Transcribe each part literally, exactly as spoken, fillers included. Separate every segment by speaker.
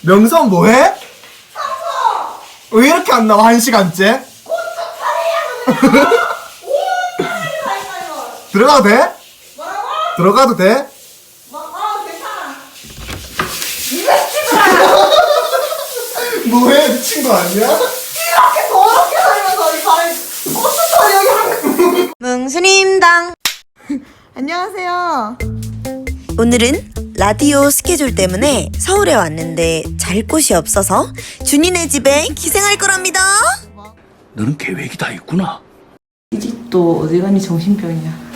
Speaker 1: 명선 뭐해? 왜 이렇게 안 나와 한 시간째? 들어가도 돼?
Speaker 2: 뭐라고?
Speaker 1: 들어가도 돼?
Speaker 2: 뭐, 어, 괜찮아. 니가 찍으라.
Speaker 1: 뭐해? 미친 거 아니야?
Speaker 2: 이렇게 더럽게 살면서 이 발에 고추털 여기 한. 뭉순임당. 안녕하세요.
Speaker 3: 오늘은 라디오 스케줄 때문에 서울에 왔는데 잘 곳이 없어서 준이네 집에 기생할 거랍니다.
Speaker 4: 너는 계획이 다 있구나.
Speaker 2: 이 집도 어디 가니 정신병이야.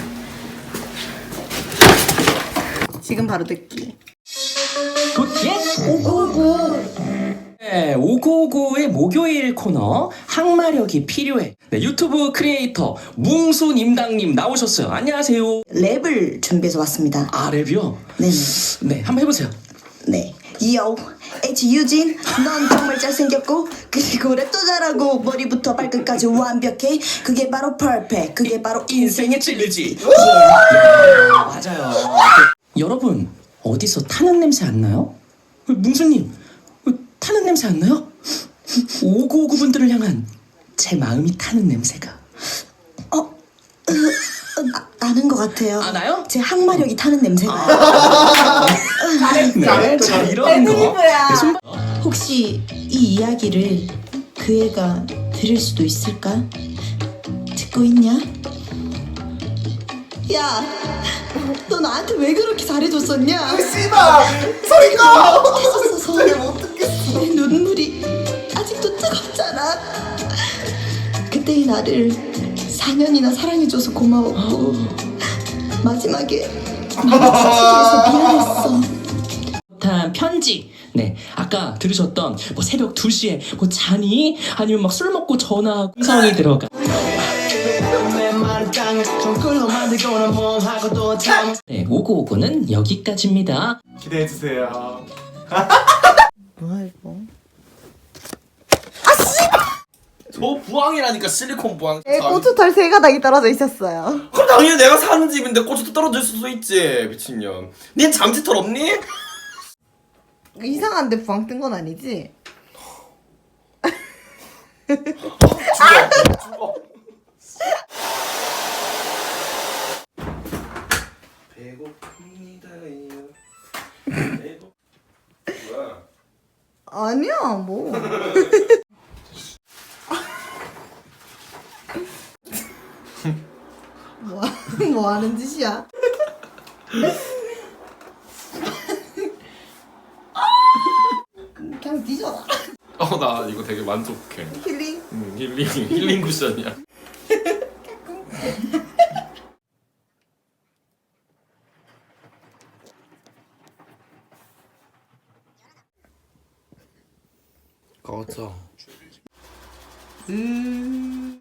Speaker 2: 지금 바로 듣기.
Speaker 5: 굿예 오구오구. 네, 오구오구의 목요일 코너 항마력이 필요해. 네, 유튜브 크리에이터 뭉순임당님 나오셨어요. 안녕하세요.
Speaker 3: 랩을 준비해서 왔습니다.
Speaker 5: 아, 랩이요?
Speaker 3: 네네.
Speaker 5: 네, 한번 해보세요.
Speaker 3: 네. Yo, H 유진, 넌 정말 잘생겼고 그리고 랩도 잘하고 머리부터 발끝까지 완벽해. 그게 바로 퍼펙트. 그게 바로
Speaker 5: 인생의 찔리지.
Speaker 3: yeah.
Speaker 5: 맞아요. 여러분, 어디서 타는 냄새 안 나요? 뭉순님, 타는 냄새 안 나요? 오구오구 분들을 향한 제 마음이 타는 냄새가.
Speaker 3: 어, 으, 나, 나는 것 같아요.
Speaker 5: 아, 나요?
Speaker 3: 제 항마력이 타는 냄새가.
Speaker 5: 네, 자, 이런 거. 네, 손...
Speaker 3: 혹시 이 이야기를 그 애가 들을 수도 있을까? 듣고 있냐? 야, 너 나한테 왜 그렇게 잘해줬었냐?
Speaker 1: 씨발! 소리가!
Speaker 3: 했었어서
Speaker 1: 내가 어떡했어.
Speaker 3: 내 눈물이 아직도 뜨겁잖아. 그때의 나를 사 년이나 사랑해줘서 고마웠고 마지막에 마주치기해서 미안했어.
Speaker 5: 한 편지. 네, 아까 들으셨던 뭐 새벽 두 시에 뭐 자니? 아니면 막 술 먹고 전화 음성이 들어가. 네, 오구오구는 여기까지입니다.
Speaker 1: 기대해주세요.
Speaker 3: 뭐야 이거?
Speaker 6: 저 부항이라니까, 실리콘 부항.
Speaker 2: 네, 고추털 세 가닥이 떨어져 있었어요.
Speaker 6: 그럼 당연히 내가 사는 집인데 고추도 떨어질 수도 있지, 미친년. 닌 잠지털 없니?
Speaker 2: 이상한데 부항 뜬 건 아니지?
Speaker 6: 죽어, 죽어. 배고픕니다요. 배고. 뭐야?
Speaker 2: 아니야 뭐. 뭐, 뭐 하는 짓이야? 그냥 뒤져라.
Speaker 6: 어, 나 이거 되게 만족해.
Speaker 2: 힐링.
Speaker 6: 음, 힐링, 힐링 쿠션이야. 꺼져.
Speaker 2: 음.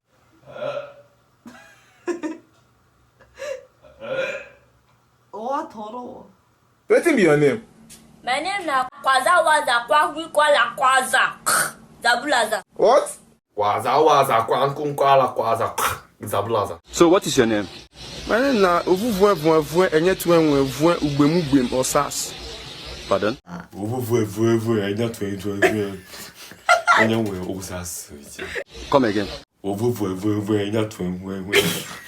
Speaker 2: 와 더러워.
Speaker 1: Wetin be your name?
Speaker 7: My name na Kwaza Waza Kwagwi Kwala Kwaza Zabulaza.
Speaker 1: What?
Speaker 6: 와자 와자 꽝꿍꽝라 꽈자 잡라자.
Speaker 8: So what is your name? My name na Ovuvue Vue Enye Twenwe Vue Ugbemu Gbem Osas. Pardon?
Speaker 6: 오브브에 브에 브에 애냐 트웨이 트웨이 트웨이 애냐 왜 오사스 이제.
Speaker 8: Come again.
Speaker 6: 오브브에 브에 브에 애냐 트웨이 트웨이 트웨이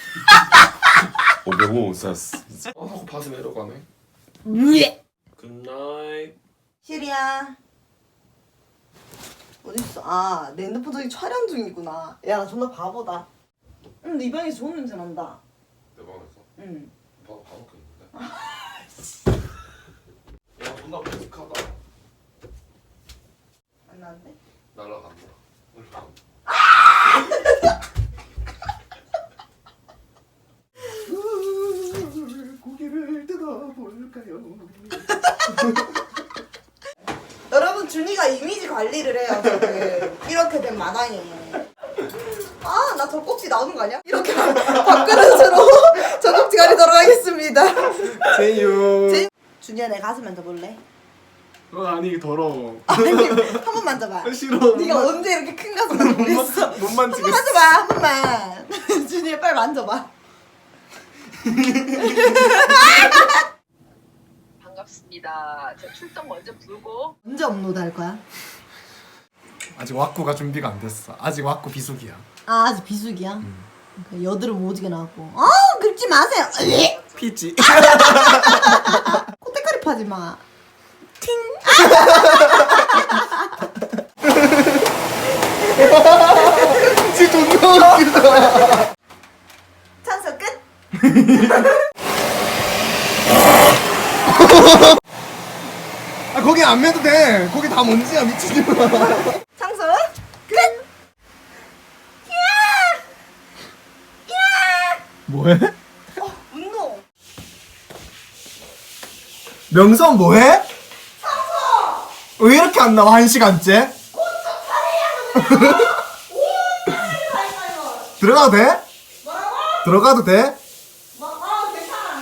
Speaker 6: 오브브 오사스 이제. 어, 하고 바지 내려가네. 굿나잇.
Speaker 2: 시리야. 어딨어? 아, 내 핸드폰 저기 촬영 중이구나. 야, 나 존나 바보다. 응, 네 방에서 좋은 냄새 난다.
Speaker 6: 내 방에서?
Speaker 2: 응.
Speaker 6: 방 방밖에 있는데. 야, 존나 베직하다.
Speaker 2: 안 나는데?
Speaker 6: 날라간다. 날라간다.
Speaker 1: 고개를 뜯어볼까요?
Speaker 2: 여러분, 준이가 이미지 관리를 해요, 지금. 이렇게 된 마당에. 아, 나 젖꼭지 나오는 거 아니야? 이렇게 밥그릇으로 젖꼭지 가리도록 하겠습니다.
Speaker 1: 제이유.
Speaker 2: 제이- 준이야, 내 가슴 만져볼래?
Speaker 1: 그건 아니 더러워.
Speaker 2: 아니, 한 번 만져봐.
Speaker 1: 싫어.
Speaker 2: 네가 언제 이렇게 큰 가슴 만져보겠어?
Speaker 1: 못
Speaker 2: 한
Speaker 1: 만지겠어.
Speaker 2: 번 만져봐, 한 번만. 준이야, 빨리 만져봐.
Speaker 9: 반갑습니다. 알겠습니다. 저 출석 먼저 부르고.
Speaker 2: 언제 업로드 할 거야?
Speaker 1: 아직 왁구가 준비가 안 됐어. 아직 왁구 비수기야.
Speaker 2: 아 아직 비수기야? 음. 여드름 오지게 나왔고. 아 긁지 마세요.
Speaker 1: 피지.
Speaker 2: 코테카리 파지 마. 팅.
Speaker 1: 진짜 존나 웃기다.
Speaker 2: 찬스 끝.
Speaker 1: 아 거기 안 매도 돼. 거기 다 먼지야 미친놈아.
Speaker 2: 찬스 끝.
Speaker 1: 뭐해?
Speaker 2: 어, 운동.
Speaker 1: 명선 뭐해? 청소. 왜 이렇게 안 나와 한 시간째? 들어가도 돼?
Speaker 2: 뭐라고?
Speaker 1: 들어가도 돼?
Speaker 2: 뭐, 어 괜찮아.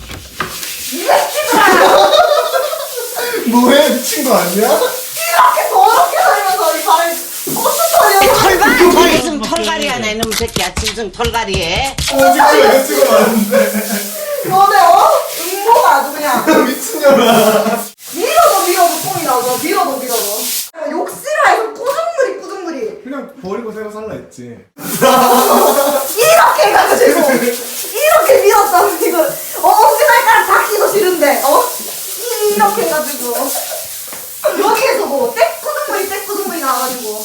Speaker 1: 뭐해 미친 거 아니야?
Speaker 2: 이렇게 더럽게 살면서 이 발을 고추털이야.
Speaker 10: 털갈이 털 털갈이 하네 이놈 새끼야 짐승 털갈이에.
Speaker 1: 어 지금 여자친구 많은데.
Speaker 2: 너네 어? 음모가 아주 그냥.
Speaker 1: 미친년아.
Speaker 2: 밀어도 밀어도 똥이 나오죠. 밀어도 밀어도. 욕실에서 꾸중물이 꾸중물이.
Speaker 1: 그냥 버리고 새로 살라 했지.
Speaker 2: 이렇게 해가지고 이렇게 밀었다 지금. 어 엄지발가락 닿기도 싫은데 어 이렇게 해가지고 여기에서 뭐 떼꾸둥물이 떼꾸둥물이 나와가지고.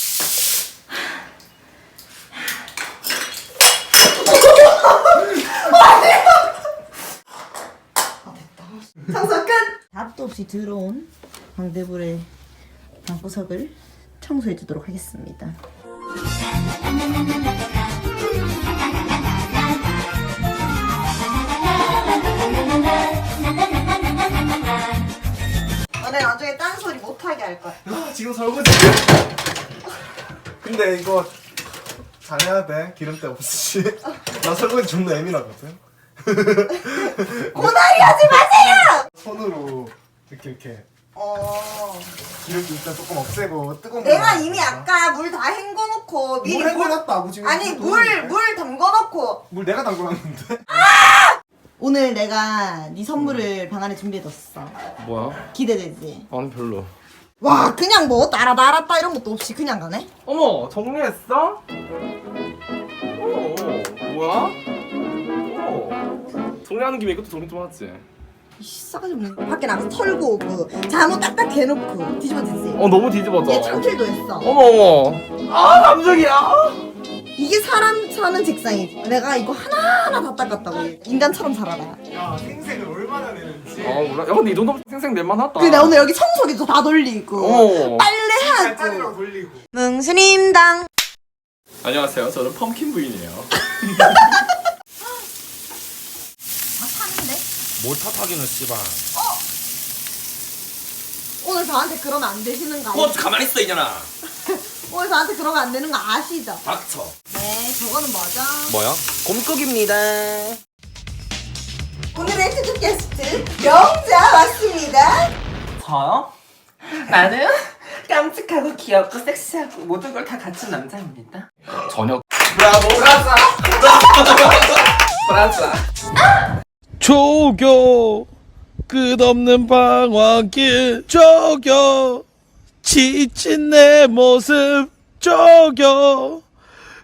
Speaker 2: 청소 끝! 답도 없이 들어온 방대불의 방구석을 청소해 주도록 하겠습니다. 너네 나중에 딴소리 못하게 할 거야.
Speaker 1: 아 지금 설거지. 근데 이거 잘해야 돼. 기름때 없이. 나 설거지 존나 예민하거든.
Speaker 2: 고다리 하지 마세요!
Speaker 1: 손으로 이렇게 이렇게
Speaker 2: 어.
Speaker 1: 기름기 일단 조금 없애고 뜨거운
Speaker 2: 내가
Speaker 1: 물
Speaker 2: 이미
Speaker 1: 넣어서.
Speaker 2: 아까 물 다 헹궈놓고 미리
Speaker 1: 물 헹궈놨다고 지금.
Speaker 2: 아니
Speaker 1: 또
Speaker 2: 물
Speaker 1: 넣었는데?
Speaker 2: 물 담궈놓고
Speaker 1: 물 내가 담궈놨는데.
Speaker 2: 오늘 내가 네 선물을 방 안에 준비해뒀어.
Speaker 6: 뭐야?
Speaker 2: 기대되지?
Speaker 6: 아니 별로.
Speaker 2: 와 그냥 뭐 따라다 알았다 이런 것도 없이 그냥 가네?
Speaker 8: 어머 정리했어? 어 뭐야? 어 정리하는 김에 이것도 정리 좀 하지.
Speaker 2: 이씨 싸가지 없는 거. 밖에 나가서 털고 오고 잠옷 딱딱 해놓고 뒤집어지지?
Speaker 8: 어 너무 뒤집어져.
Speaker 2: 얘 창틀도 했어.
Speaker 8: 어머 어머. 아 감정이야.
Speaker 2: 이게 사람 사는 직상이지. 내가 이거 하나하나 다 닦았다고. 인간처럼 살아라.
Speaker 1: 야 생색을 얼마나 내는지.
Speaker 8: 아 몰라. 야 근데 이 정도면 생생 낼만하다.
Speaker 2: 그래 내가 오늘 여기 청소기도 다 돌리고
Speaker 8: 어.
Speaker 2: 빨래하고
Speaker 1: 짜리로 돌리고.
Speaker 2: 뭉스님당.
Speaker 6: 안녕하세요. 저는 펌킨 부인이에요.
Speaker 2: 아 파는데?
Speaker 6: 뭘 탓하기는 씨발.
Speaker 2: 오늘 저한테 그러면 안 되시는 거
Speaker 6: 뭐
Speaker 2: 아시죠?
Speaker 6: 가만히 있어 이년아.
Speaker 2: 오늘 저한테 그러면 안 되는 거 아시죠?
Speaker 6: 닥쳐.
Speaker 2: 네 저거는 뭐죠?
Speaker 6: 뭐야? 곰국입니다.
Speaker 2: 오늘의 특급 게스트 영자 왔습니다.
Speaker 10: 저요? 나는 깜찍하고 귀엽고 섹시하고 모든 걸 다 갖춘 남자입니다.
Speaker 6: 저녁.
Speaker 8: 브라보 브라자. 브라자.
Speaker 11: 조교 끝없는 방황길 조교 지친 내 모습 조교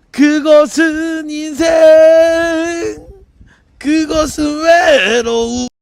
Speaker 11: 그것은 인생 그것은 외로움